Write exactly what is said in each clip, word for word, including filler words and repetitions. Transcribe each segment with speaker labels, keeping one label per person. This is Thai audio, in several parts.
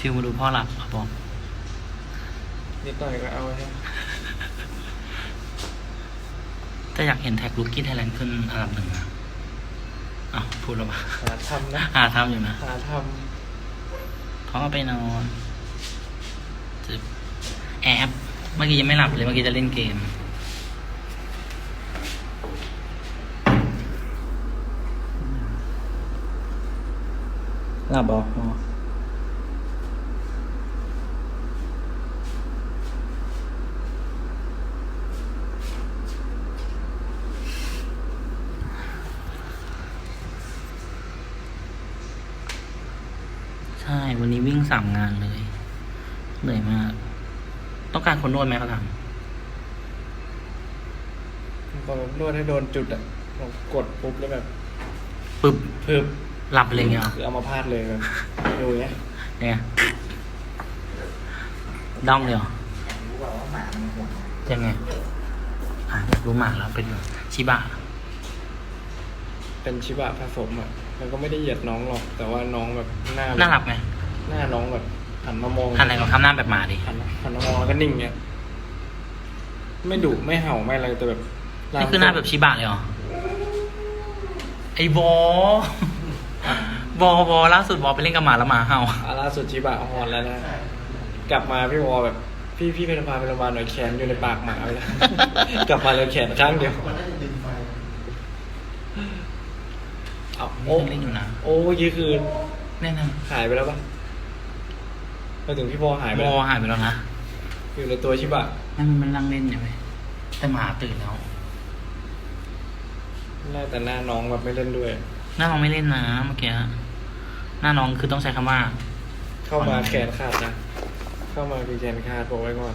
Speaker 1: ฟิลมาดูพ่อหลับครับผม
Speaker 2: นิดหน่อยก็เอาใช่
Speaker 1: ถ้าอยากเห็นแท็กลุกกี้ไทยแลนด์ขึ้นอันดับหนึ่งนะอ้าวพูดแล้วปะ
Speaker 2: หาทำนะ
Speaker 1: หาทำอยู่นะ
Speaker 2: หาท
Speaker 1: พ่อไปนอนจะแอบเมื่อกี้ยังไม่หลับเลยเมื่อกี้จะเล่นเกมหลับบอกพ่อใช่ วันนี้วิ่งสามงานเลย เหนื่อยมาก ต้องการคนนวดไหมเขาถาม
Speaker 2: ำพอนนวดให้โดนจุดอ่ะผมกดปุ๊บแล้วแบบ
Speaker 1: ปึ๊บ
Speaker 2: เพิ่ม
Speaker 1: หลับเลยเงี้ยเหรอ
Speaker 2: คือเอามาพาดเลยแบบดูอย่างเงี้ย
Speaker 1: เนี่ยด้อมเลยเหรอยังไงอ่ะอยากรู้หมาแล้วเป็นชิบะ
Speaker 2: เป็นชิบะผสมอ่ะแล้วก็ไม่ได้เหยียดน้องหรอก แต่ว่าน้องแบบหน้า
Speaker 1: น่ารักไหม
Speaker 2: หน้าน้องแบบหันมามอง
Speaker 1: หันอะไรก็ทำหน้าแบบหมาดิ
Speaker 2: หันหันมามองแล้วก็นิ่งเงี้ยไม่ดุไม่เห่าไม่อะไรแต่แบบ
Speaker 1: นี่คือหน้าแบบชิบะเลยเหรอ ไอ้บอ บอบอล่าสุดบอไปเล่นกับหมาแล้วหมาเห่า
Speaker 2: อาล่าสุดชิบะฮอนแล้วนะกลับมาพี่วอแบบ พี่พี่เป็นพาไปโรงพยาบาลหน่อยแขนอยู่ในปากหมาไปแล้ว กลับมาเลยแขนข้างเดียวเอาโอ้
Speaker 1: ยังเล่นอยู่นะ
Speaker 2: โอ้เมื่อกี้คือ
Speaker 1: แน่นอน
Speaker 2: หายไปแล้วปะไปถึงพี่พอหายไป
Speaker 1: บ
Speaker 2: แล้
Speaker 1: อ
Speaker 2: ว
Speaker 1: หายไปแล้วนะ
Speaker 2: อยู่ในตัวชิบะ
Speaker 1: นั่นมันนั่งเล่นใช่ไหมแต่หมาตื่นแล้ว
Speaker 2: หน้าแต่หน้าน้องแบบไม่เล่นด้วย
Speaker 1: หน้าน้องไม่เล่นนะเมื่อกี้หน้าน้องคือต้องใช้คำว่า
Speaker 2: เข้ามาแขนขาดนะเข้ามาคือแขนขาดบอกไว้ก่อน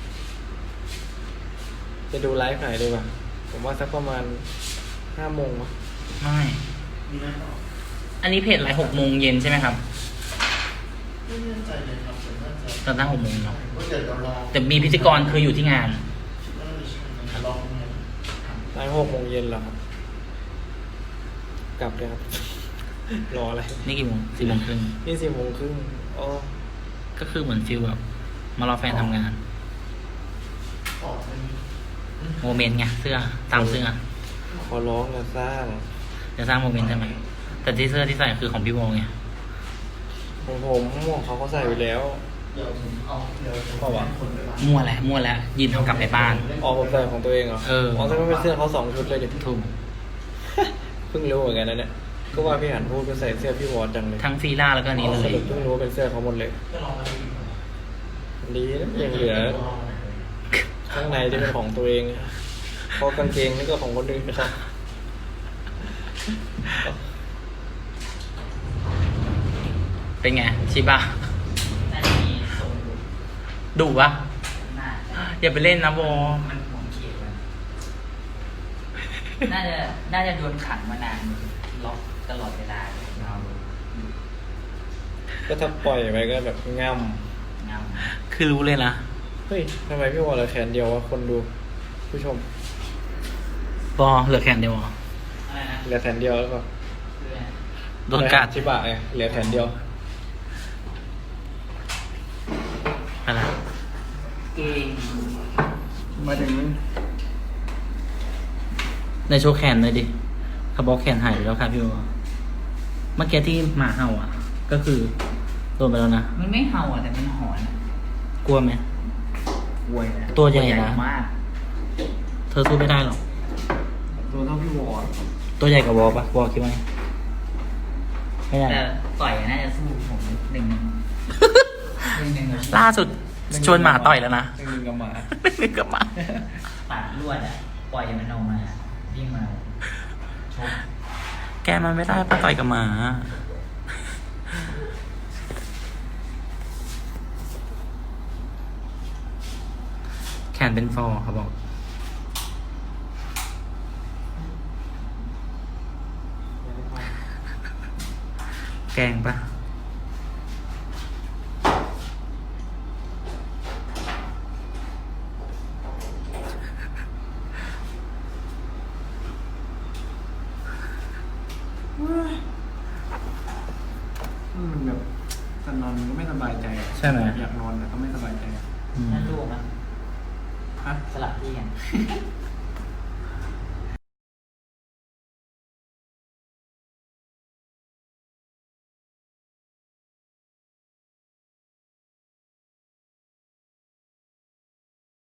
Speaker 2: จะดูไลฟ์ไหนดีกว่าผมว่าสักประมาณห้าโมงมั้ง
Speaker 1: ไม่ อันนี้เพจไลฟ์หกโมงเย็นใช่ไหมครับ
Speaker 3: ไม่แน่ใจเลยครับแต่น่าจะ
Speaker 1: ตอนตั้งหกโมงเนาะ
Speaker 3: ว่าเดี๋ยวเราลอง
Speaker 1: แต่มีพิธีกรคืออยู่ที่งาน
Speaker 3: คิดว่าน่าจะใช่นะลองเนี่ย
Speaker 2: ไลฟ์หกโมงเย็นเหรอครับกลับเลยครับ รออะไร
Speaker 1: นี่กี่โมงสี่โมงครึ่ง
Speaker 2: นี่สี่โมงครึ่งอ๋อ
Speaker 1: ก็คือเหมือนฟิลแบบมารอแฟนทำงาน
Speaker 3: ต่อไป
Speaker 1: โมเมนต์ไงเสื้อตามเสื้อ
Speaker 2: ขอร้องนะสร้าง
Speaker 1: จะสร้างโมเมนต์ใช่ไหมแต่ที่เสื้อที่ใส่คือของพี่โมไง
Speaker 2: ของผมของเขาเขาใส่ไปแล้ว
Speaker 3: เดี๋ยวผมเอาเดี๋ยว
Speaker 2: เพราะว่า
Speaker 3: คนไปบ้าน
Speaker 1: มั่วแล้วมั่วแล้วยินเท่ากลับไปบ้าน
Speaker 2: อ๋อผมใส่ของตัวเองเหรอ
Speaker 1: เออ
Speaker 2: อ๋อแต่ไม่เป็นเสื้อเขาสองชุดเลยดิ
Speaker 1: ถูก
Speaker 2: เพิ่งรู้เหมือนกันนะเนี่ยก็ว่าพี่หันพูดเป็นใส่เสื้อพี่วอร์ดจังเลย
Speaker 1: ทั้งฟีล่าแล้วก็อันนี้เล
Speaker 2: ส
Speaker 1: ย
Speaker 2: รุปเพิ่งรู้ว่าเป็นเสื้อเขาหมดเลย
Speaker 3: ก็ลองมาดู
Speaker 2: ดีนะยังเหลือข้างในที่เป็นของตัวเองเพราะกางเกงนี่ก็ของคนอื่นนะครับ
Speaker 1: เป็นไงชิบะดุปะอย่าไปเล่นนะโบ
Speaker 4: มันห่วงเขตมันน่าจะ น่าจะโดนขังมานาน ล็อกตลอดเวลาเลยเรา
Speaker 2: ก็ถ้าปล่อยไปก็แบบง่
Speaker 4: เงา
Speaker 1: คือรู้เลยนะ
Speaker 2: ำเฮ้ยทำไมพี่วอร์ดเหลือแขนเดียววะคนดูผู้ชม
Speaker 1: บอเหลือแขนเดียวเหรอ
Speaker 4: อะไรนะ
Speaker 2: เหลือแขนเดียวแล้วก็
Speaker 4: เพื่อน
Speaker 1: โดนกัด
Speaker 2: ชิบะไงเหลือแขนเดียว
Speaker 1: อะไร
Speaker 4: เก่ง
Speaker 2: มาถึง
Speaker 1: ในโชว์แขนเลยดิเขาบอกแขนหายไปแล้วครับพี่โบเมื่อกี้ที่หมาเห่าอ่ะ ก็คือโดนไปแล้วนะ
Speaker 4: มันไม่เห่าอ่ะแต่มันหอนอะ
Speaker 1: กลัวไหม
Speaker 4: กลัวนะ
Speaker 1: ตัวใหญ่นะ
Speaker 4: มาก
Speaker 1: เธอสู้ไม่ได้หรอก
Speaker 2: ตัวเท่าพี่วอร์ด
Speaker 1: ตัวใหญ่กับวอลปะวอลคิดว่าไงไม่ได้
Speaker 4: แต่ต่อยน่าจะสู้ผมหนึ่งหนึ่งหนึ่งหนึ่ง
Speaker 1: ล่าสุดชวนหมาต่อยแล้วนะ
Speaker 2: หนึ่งกับหมา
Speaker 1: หนึ่งกับหมา
Speaker 4: ปาดลวดอ่ะ ปล่อยมันออกมาวิ่งมาชก
Speaker 1: แกมันไม่ได้ปะต่อยกับหมา แขนเป็นฟอร์เขาบอก แกงปะ
Speaker 2: มันแบบสนนอนมันก็ไม่สบายใจ
Speaker 1: ใช่ไหม
Speaker 2: อยากนอนแต่ก็ไม่สบายใจ
Speaker 1: อืม
Speaker 4: นั่นลูกนะ
Speaker 2: ฮะ
Speaker 4: สลับที่กัน